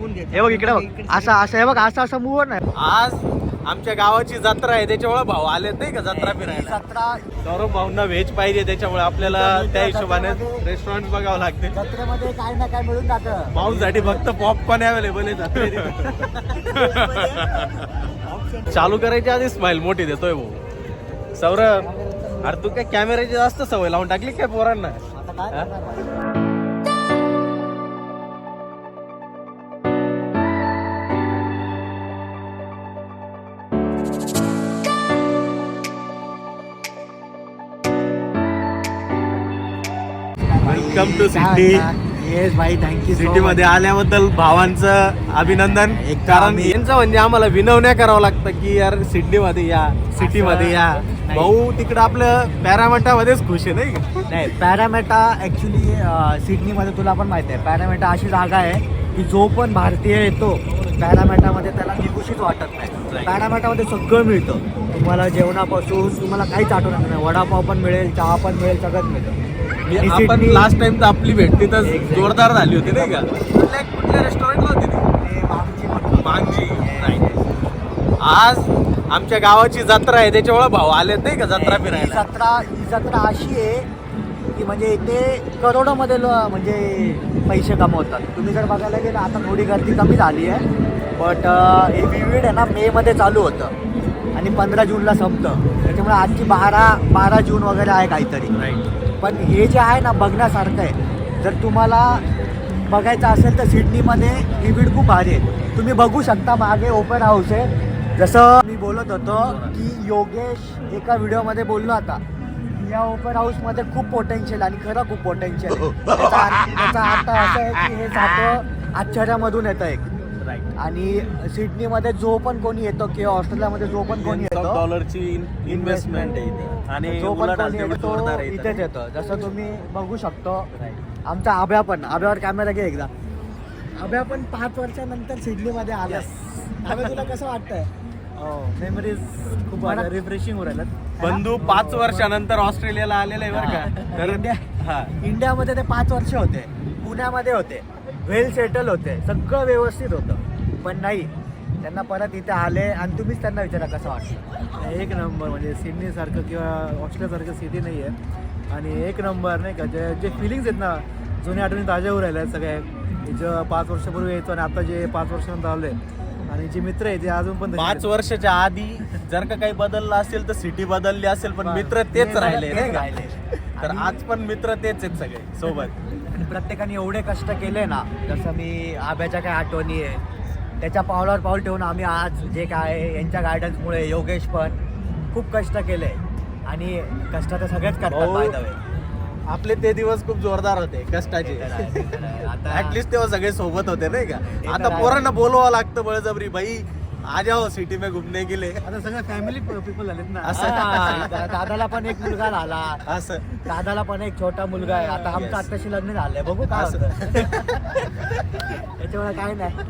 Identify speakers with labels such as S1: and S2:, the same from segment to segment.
S1: हे बघ इकडे बघ, असं असं हे बघ, असं असं मूव नाही.
S2: आज आमच्या गावाची जत्रा आहे, त्याच्यामुळे भाऊ आले नाही का जत्रा फिरायला.
S1: जत्रा
S2: सौरभ भाऊंना व्हेज पाहिजे, त्याच्यामुळे आपल्याला त्या हिशोबाने रेस्टॉरंट बघावं लागते.
S1: जत्रेमध्ये काय ना काय मिळून जातं.
S2: भाऊंसाठी फक्त पॉपकॉर्न अवेलेबल आहे जत्रेत. चालू करायच्या आधी स्माइल मोठी देतोय भाऊ. सौरभ, अरे तू काय कॅमेऱ्याची जास्त सवय लावून टाकली काय पोरांना?
S1: आता काय
S2: हा?
S1: करणार भाई?
S2: Welcome to city.
S1: येस भाई, थँक्यू.
S2: सिटी मध्ये आल्याबद्दल भावांचं अभिनंदन. कारण यांचं म्हणजे आम्हाला विनवण्या करावं लागतं की यार सिडनी मध्ये या, सिटी मध्ये या. भाऊ तिकडं आपलं पॅरामेटामध्येच खुश आहे नाही का?
S1: नाही, पॅरामेटा ऍक्च्युली सिडनीमध्ये तुला पण माहिती आहे, पॅरामेटा अशी जागा आहे की जो पण भारतीय येतो पॅरामेटामध्ये त्याला निकुशीच वाटत नाही. पॅरामेटामध्ये सगळं मिळतं तुम्हाला, जेवणापासून तुम्हाला काहीच आठवणार नाही. वडापाव पण मिळेल, चहा पण मिळेल, सगळंच मिळतं.
S2: आपण लास्ट टाइम तर आपली भेट तिथं जोरदार झाली होती नाही का? कुठल्या रेस्टॉरंटला होती ती? मांगजी. आज आमच्या गावाची जत्रा आहे, त्याच्यामुळे भाऊ आले नाही का जत्रा फिरायला.
S1: ही जत्रा अशी आहे की म्हणजे इथे करोडोमध्ये म्हणजे पैसे कमवतात. तुम्ही जर बघायला गेलं, आता थोडी गर्दी कमी झाली आहे, बट हे विविध आहे ना, मे मध्ये चालू होतं आणि 15 जूनला संपतं. त्याच्यामुळे आजची 12 जून वगैरे आहे काहीतरी.
S2: राईट.
S1: पण हे जे आहे ना, बघण्यासारखं आहे. जर तुम्हाला बघायचं असेल तर सिडनीमध्ये विविध खूप भारी आहे. तुम्ही बघू शकता, मागे ओपन हाऊस आहे. जसं मी बोलत होतो की योगेश एका व्हिडिओमध्ये बोललो आता, या ओपन हाऊसमध्ये खूप पोटेन्शियल आणि खरं खूप पोटेन्शियल आहे. त्याचा अर्थ असा आहे की हे सातवं आश्चर्यामधून येतं एक.
S2: राईट.
S1: आणि सिडनीमध्ये जो पण कोणी येतो किंवा ऑस्ट्रेलियामध्ये जो पण कोणी येतो,
S2: डॉलरची इन्व्हेस्टमेंट आहे इथे. आणि
S1: जो पण
S2: उलट
S1: कोणी
S2: आज
S1: येतो
S2: जोरदार आहे
S1: इथेच
S2: इथं.
S1: येतं. जसं तुम्ही बघू शकतो, आमचा आभ्या पण, आभ्यावर कॅमेरा घे एकदा. आभ्या पण 5 वर्षानंतर सिडनीमध्ये आला. आभ्या, तुला कसं वाटतंय?
S3: मेमरीज खूप रिफ्रेशिंग हो राहिल्यात.
S2: बंधू 5 वर्षानंतर ऑस्ट्रेलियाला आलेला आहे बरं का. तर
S1: इंडियामध्ये ते 5 वर्ष होते, पुण्यामध्ये होते, वेल सेटल होते, सगळं व्यवस्थित होतं. पण नाही, त्यांना परत इथे आले आणि तुम्हीच त्यांना विचारा कसं वाटतं.
S3: एक नंबर, म्हणजे सिडनीसारखं किंवा ऑस्ट्रेलियासारखं सिटी नाही आहे. आणि एक नंबर नाही का, जे फिलिंग्स आहेत ना, जुन्या आठवणी ताज्या होऊ राहिल्या आहेत सगळ्या. जे 5 वर्षापूर्वी यायचो आणि आता जे 5 वर्षानंतर आले, आणि जे मित्र आहे ते अजून पण
S2: 5 वर्षाच्या आधी जर का काही बदललं असेल तर सिटी बदलली असेल, पण मित्र तेच राहिले नाही का? तर आज पण मित्र तेच आहेत सगळे सोबत.
S1: आणि प्रत्येकाने एवढे कष्ट केले ना, जसं मी आभ्याच्या काय आठवणी आहे, त्याच्या पावलावर पाऊल ठेवून आम्ही आज जे काय आहे, यांच्या गायडन्समुळे योगेश पण खूप कष्ट केले. आणि कष्ट तर सगळेच करतात
S2: हो.
S1: By the way.
S2: आपले ते दिवस खूप जोरदार होते कष्टाचे.
S1: आता
S2: ऍटलिस्ट तेव्हा सगळे सोबत होते नाही का?
S1: तर
S2: आता
S1: आहे.
S2: पोरांना बोलवावं लागतं बळजबरी, भाई आ जाओ सिटी में घुमने गेले.
S3: आता सगळं फॅमिली पीपल झालेत ना.
S1: हा, दादाला पण एक मुलगा झाला,
S2: असं
S1: दादाला पण एक छोटा मुलगा आहे. आता आमचं
S2: Yes.
S1: आत्ताशी लग्न झालंय, बघू काय
S2: असं.
S1: होतं. त्याच्यामुळे काय नाही.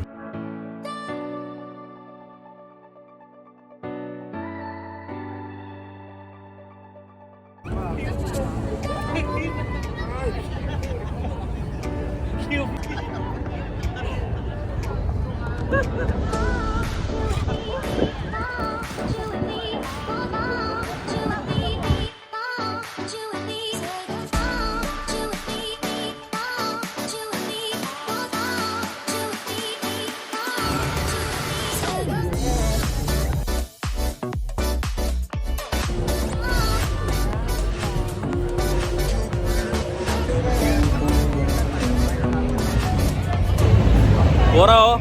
S2: पोरा हो,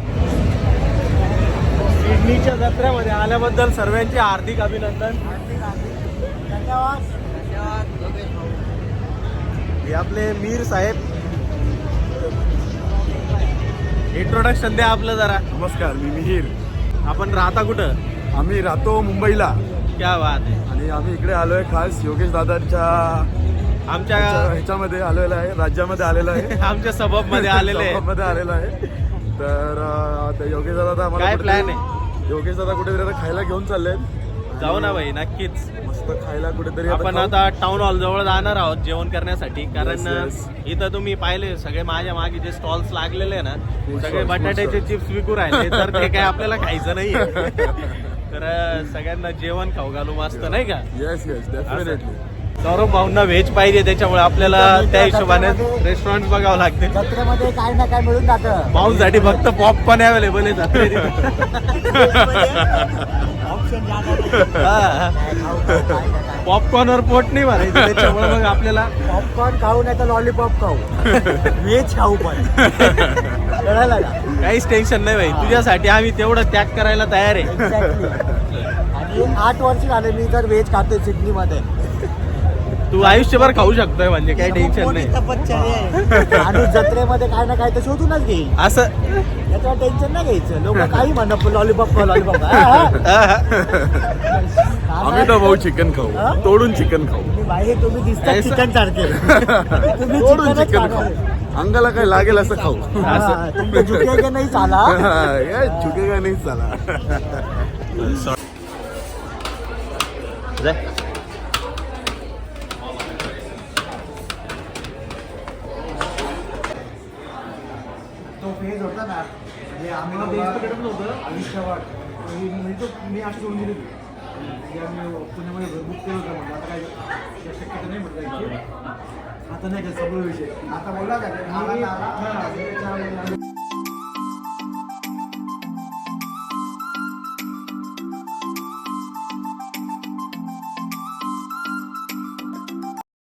S2: सिडनीच्या जत्रेमध्ये आल्याबद्दल सर्वांचे हार्दिक अभिनंदन. हे आपले मीर साहेब, इंट्रोडक्शन द्या आपलं जरा.
S4: नमस्कार, मी मिहीर.
S2: आपण राहता कुठं?
S4: आम्ही राहतो मुंबईला
S2: क्या बात आहे.
S4: आणि आम्ही इकडे आलोय खास योगेश दादांच्या
S2: आमच्या
S4: ह्याच्यामध्ये आलेलो आहे, राज्यामध्ये आलेलो आहे.
S2: आमच्या सबब मध्ये आलेले
S4: मध्ये आलेलो आहे. तर योगेश दादा
S2: काय
S4: आम्हाला
S2: plan आहे?
S4: योगेश दादा कुठेतरी आता खायला घेऊन चाललेत
S2: जाऊ ना भाई नक्कीच.
S4: मस्त खायला कुठेतरी
S2: आपण
S4: खाऊ.
S2: आता टाउन हॉल जवळ जाणार आहोत जेवण करण्यासाठी, कारण
S4: Yes, yes.
S2: इथं तुम्ही पाहिले सगळे माझ्या मागे जे स्टॉल्स लागलेले आहे ना,
S4: Food
S2: सगळे
S4: stalls,
S2: बटाट्याचे
S4: food
S2: चिप्स विकू राहिले, तर ते काय आपल्याला खायचं नाहीये. तर सगळ्यांना जेवण खाऊ घालू मस्त नाही का.
S4: Yes yes definitely.
S2: सौरभ भाऊंना व्हेज पाहिजे, त्याच्यामुळे आपल्याला त्या हिशोबाने रेस्टॉरंट बघावं लागते.
S1: जत्रेमध्ये काय ना काय मिळून जातं.
S2: भाऊंसाठी फक्त पॉपकॉर्न अवेलेबल आहे जत्रेत.
S1: ऑप्शन
S2: पॉपकॉर्नवर पोट नाही भरायचं, त्याच्यामुळे मग आपल्याला
S1: पॉपकॉर्न खाऊ नाही तर लॉलीपॉप खाऊ, व्हेज खाऊ पण. कळायला का?
S2: काहीच टेन्शन नाही भाई, तुझ्यासाठी आम्ही तेवढं त्याग करायला तयार आहे.
S1: Exactly. आणि 8 वर्ष झाले मी तर व्हेज खातोय सिडनीमध्ये.
S2: तू आयुष्यभर खाऊ शकतोय, म्हणजे काही टेन्शन नाही.
S1: आणि जत्रेमध्ये काय ना काय तर शोधूनच घेईल,
S2: असं
S1: त्याच्यावर टेन्शन नाही घ्यायचं. लोक काही म्हणत लॉलीपॉप खाऊ लॉलीपॉप.
S4: आम्ही तर भाऊ चिकन खाऊ,
S1: हा?
S4: तोडून चिकन खाऊ,
S1: बाई तुम्ही दिसता
S2: ऐसा?
S1: चिकन सारखे. तुम्ही
S4: तोडून
S1: चिकनच
S4: चिकन
S1: खाणार.
S4: खाऊ, अंगाला काय लागेल असं खाऊ.
S1: हा, तुमचं झुकेगा नाही चाला.
S4: ये झुकेगा नाही चला.
S3: तो फेज होता ना, म्हणजे आम्ही आयुष्यवाद मी अशी सोडून दिली होती. म्हणजे आम्ही पुण्यामध्ये घर बुक केलं होतं, म्हणजे आता काय शक्यता नाही म्हटलं. आता नाही का सगळं विषय आता बोलला का